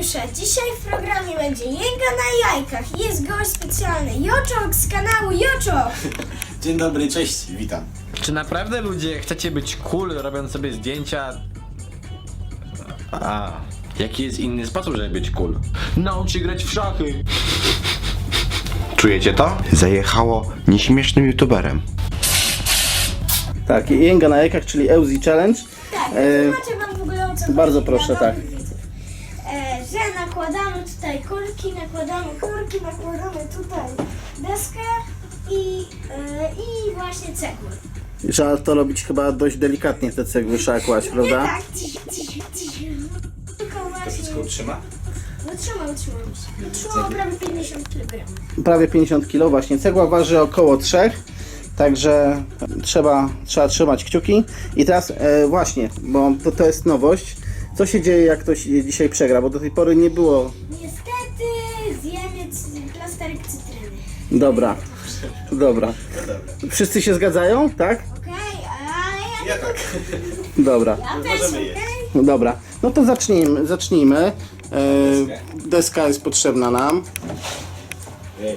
Euzeubiusza. Dzisiaj w programie będzie Jęga na jajkach. Jest gość specjalny, Joczok z kanału Joczok. Dzień dobry, cześć, witam. Czy naprawdę ludzie chcecie być cool, robiąc sobie zdjęcia? Jaki jest inny sposób, żeby być cool? Naucz się grać w szachy. Czujecie to? Zajechało nieśmiesznym youtuberem. Tak, Jęga na jajkach, czyli Euzi Challenge. Tak, wytłumaczę wam w ogóle o co Bardzo chodzi proszę, dla tak. nowych widzów. Że nakładamy tutaj kulki, nakładamy tutaj deskę i właśnie cegły. Trzeba to robić chyba dość delikatnie, te cegły trzeba kłaść, Nie prawda? tak, tylko To właśnie... wszystko utrzyma? Wytrzymało prawie 50 kg. Prawie 50 kg właśnie. Cegła waży około 3, także trzeba trzymać kciuki. I teraz właśnie, bo to jest nowość. Co się dzieje, jak ktoś dzisiaj przegra? Bo do tej pory nie było. Niestety zjemy plasterek cytryny. Dobra. Wszyscy się zgadzają, tak? Okej, ale Ja tak. Dobra. ja też, Możemy jeść. okej? Dobra. No to zacznijmy. Deska jest potrzebna nam. Jejku.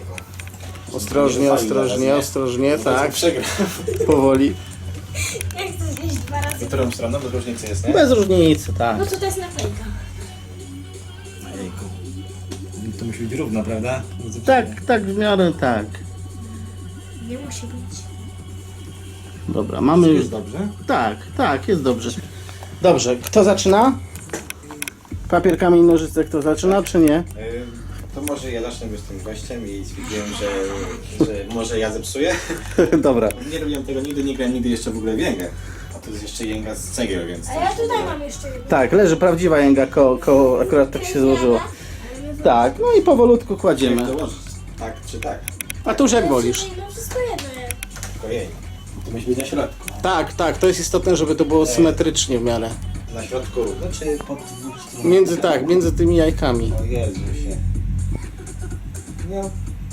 Ostrożnie, tak. Przegram. Powoli. Ja chcę zjeść 2 razy. W którą stroną? Bo różnicy jest, nie? Bez różnicy, tak. No to jest naklejka. Jejku. To musi być równo, prawda? Tak, w miarę tak. Nie musi być. Dobra, mamy już. Jest dobrze? Tak, jest dobrze. Dobrze, kto zaczyna? Papier, kamień, nożyce, kto zaczyna, czy nie? To może ja zacznę być tym gościem i stwierdziłem, że może ja zepsuję. Dobra. Nie robiłem tego nigdy, nie grałem nigdy jeszcze w ogóle w Jęgę. A to jest jeszcze Jęga z cegieł, więc... A ja tutaj mam jeszcze jedno. Tak, leży prawdziwa jęga, akurat tak się złożyło. Tak, no i powolutku Jak kładziemy. dołożyć? Tak czy tak? A tu już jak wolisz. No wszystko jedno jest. Tylko jej. To musi być na środku. Tak, to jest istotne, żeby to było symetrycznie w miarę. Na środku równo, czy pod dwóch stron? Między tymi jajkami. O Jezusie. No.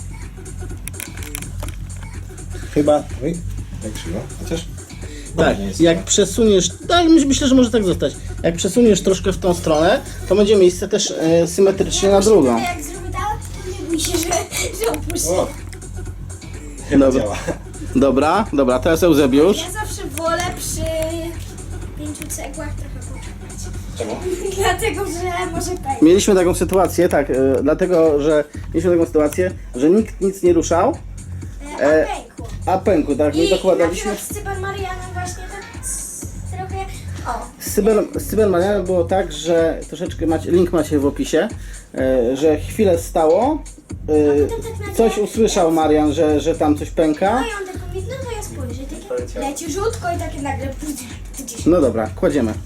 Chyba... Oj, tak krzywo. Chociaż... Tak, dobrze jest, jak no. przesuniesz, tak, myślę, że może tak zostać. Jak przesuniesz troszkę w tą stronę, to będzie miejsce też symetrycznie na drugą. Jak zrobię tak, to nie bój się, że opuści. O! Chyba Dobra. działa. Dobra, teraz Eusebiusz. Ja zawsze wolę przy 5 cegłach trochę poczekać. Czemu? Dlatego, że może pękać. Mieliśmy taką sytuację, tak, dlatego, że mieliśmy taką sytuację, że nikt nic nie ruszał, Pękło. a pękł, tak, my I na dokładaliśmy. przykład z Cybermarianem właśnie tak trochę... O. Z Cybermanianem było tak, że troszeczkę link macie w opisie, że chwilę stało, coś usłyszał Marian, że tam coś pęka. No i on tak mówi, no to ja spojrzę, takie leciutko i takie nagle... No dobra, kładziemy.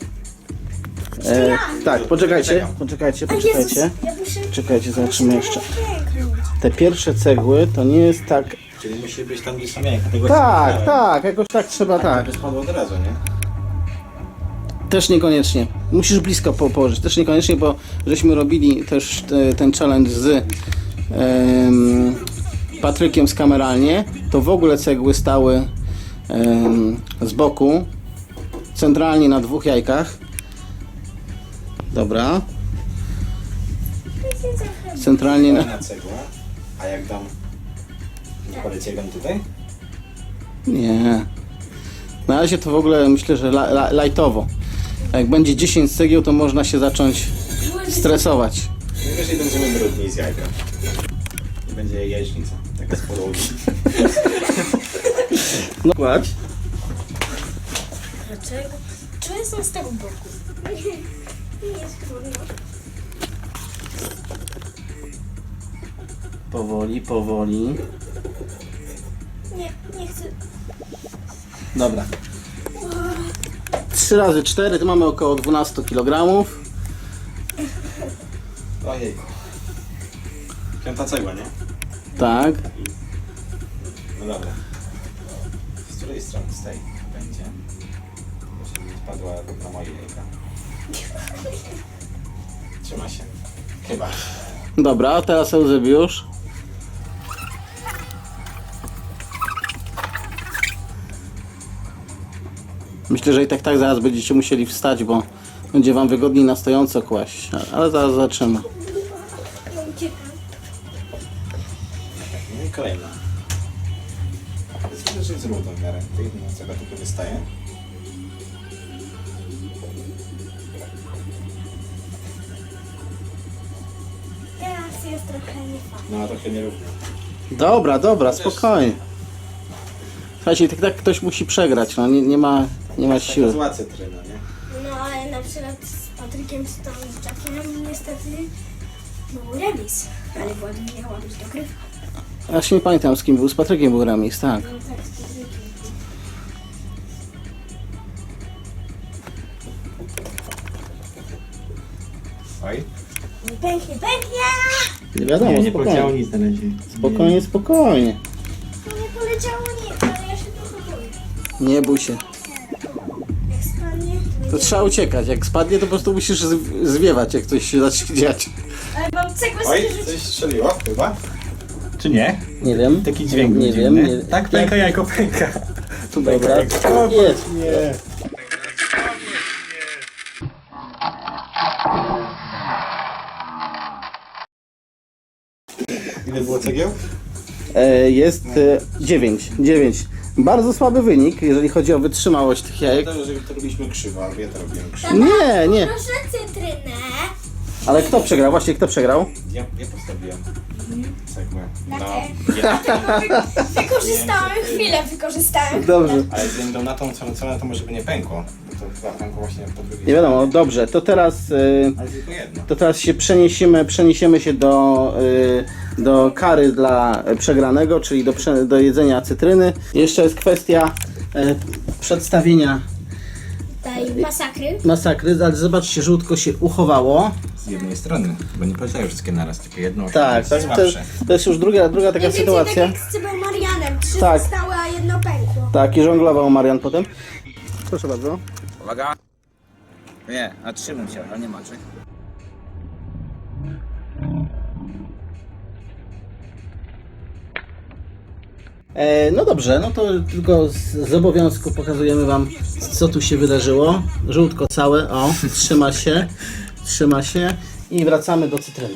Tak, poczekajcie. Jezus, ja muszę... Czekajcie, zobaczymy jeszcze. Pęknąć. Te pierwsze cegły to nie jest tak. Czyli musi być tam, gdzie są jajka. Tego Tak, jakoś tak trzeba, tak. To spadło od razu, nie? Też niekoniecznie. Musisz blisko położyć. Też niekoniecznie, bo żeśmy robili też ten challenge z Patrykiem z kameralnie, to w ogóle cegły stały z boku, centralnie na 2 jajkach. Dobra. Centralnie Na cegłę. A jak dam... Wkładę cegłem tutaj? Nie. Na razie to w ogóle myślę, że lajtowo. A jak będzie 10 cegieł, to można się zacząć stresować. Najwyżej będziemy brudni z jajka. I będzie jajecznica. Taka z podłogi. No kładź. Dlaczego? Czy jestem z tego boku? Nie jest trudno. Powoli. Nie chcę. Dobra. 3 razy 4 to mamy około 12 kg. Ojejku. 5. cegła, nie? Tak. No dobra. Z której strony? Z tej będzie. Żeby nie spadła na moje jajka. Trzyma się. Chyba. Dobra, teraz Eusebiusz. Myślę, że i tak zaraz będziecie musieli wstać, bo Będzie wam wygodniej na stojąco kłaść, ale zaraz zobaczymy. Uciekam. No i kolejna. Jest że jest równo w miarę. To jedna z tego tylko wystaje. Teraz jest trochę niefajnie. No trochę nierówno. Dobra, spokojnie. Słuchajcie, tak ktoś musi przegrać, no nie ma Taka siły. zła cytryna, nie? No ale na przykład z Patrykiem czy tam z Jackiem niestety był remis. Ale Władimir miała być dogrywka. Ja się nie pamiętam z kim był, z Patrykiem był remis, tak. No tak, z Patrykiem. Oj. Pięknie. Nie wiadomo, spokojnie. nic na razie. Spokojnie. No nie poleciało nic, ale ja się trochę boję. Nie bój się. Jak spadnie, to To będzie... trzeba uciekać. Jak spadnie, to po prostu musisz zwiewać, jak coś się zacznie dziać. Ale mam cegłę Oj, z coś strzeliło chyba? Czy nie? Nie wiem. Taki dźwięk Nie dziwny. wiem. Nie, Tak, pęka jajko pęka. Dobra. Jest. Nie. Ile było cegieł? Jest 9. Bardzo słaby wynik, jeżeli chodzi o wytrzymałość tych jajek. To, że to robiliśmy krzywo, albo ja to robiłem krzywo. Nie. Proszę cytrynę. Ale kto przegrał? Właśnie kto przegrał? Ja postawiłem cegłę. No, Wykorzystałem chwilę, Dobrze. ale ze względu na tą cenę to może by nie pękło. Bo to chyba pękło właśnie po drugiej Nie wiadomo, dobrze. To teraz Ale tylko jedno. się przeniesiemy się do kary dla przegranego, czyli do jedzenia cytryny. Jeszcze jest kwestia przedstawienia tej masakry, ale zobaczcie, żółtko się uchowało. Z jednej strony, bo nie poleciały wszystkie naraz, tylko jedną. Tak, to jest to jest już druga taka sytuacja. Tak jak z Cybą Marianem. 3 Tak. zostały, a jedno pękło. Tak, i żonglował Marian potem. Proszę bardzo. Uwaga. Nie, a 3 bym chciał, ale nie macie. No dobrze, no to tylko z obowiązku pokazujemy wam, co tu się wydarzyło. Żółtko całe, o, trzyma się i wracamy do cytryny.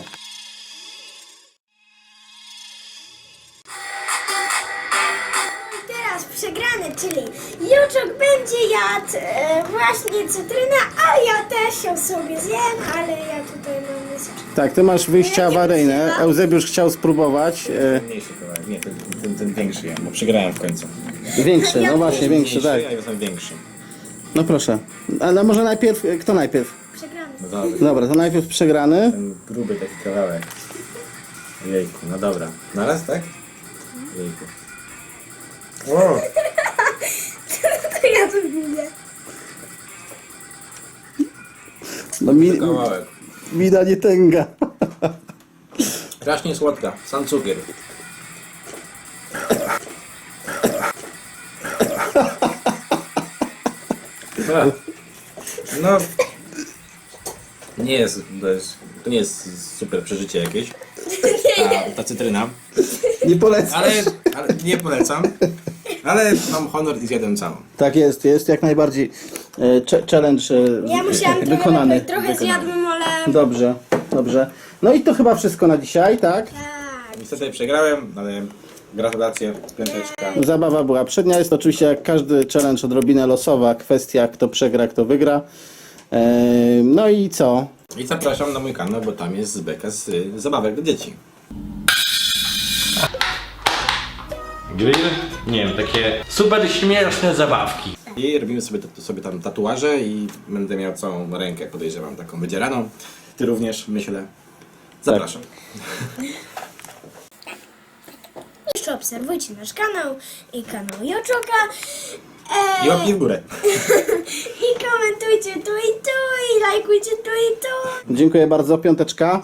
Teraz przegrany, czyli Juczok będzie jadł właśnie cytrynę, a ja też ją sobie zjem, ale ja tutaj mam miseczkę. Tak, ty masz wyjścia awaryjne. Eusebiusz chciał spróbować. Mniejszy kawałek, nie, ten większy ja, bo przegrałem w końcu. Większy, no właśnie, większy, tak. Ja jestem większy. No proszę. Ale może najpierw, kto najpierw? Przegrany. No dobra, Dobra, to najpierw przegrany. ten gruby taki kawałek. Jejku, no dobra. Na raz, tak? Jejku. O! To ja tu mówię. No Kawałek. mina nie tęga. Strasznie słodka, sam cukier. No. To nie jest super przeżycie jakieś. Ta cytryna. Nie polecam. Ale nie polecam. Ale mam honor i zjadłem całą. Tak jest jak najbardziej challenge Ja musiałam wykonany. trochę zjadłem, ale... Dobrze. No i to chyba wszystko na dzisiaj, tak? Tak. Niestety przegrałem, ale gratulacje, piąteczka. Zabawa była przednia. Jest oczywiście jak każdy challenge odrobinę losowa kwestia, kto przegra, kto wygra. No i co? I zapraszam na mój kanał, bo tam jest beka z zabawek dla dzieci. Grill? Nie wiem, takie super śmieszne zabawki. I robimy sobie tam tatuaże i będę miał całą rękę, podejrzewam, taką wydzieraną. Ty również, myślę. Zapraszam. Jeszcze obserwujcie nasz kanał i kanał Joczoka. I łapki w górę. I komentujcie tu i tu, i lajkujcie tu i tu. Dziękuję bardzo, piąteczka.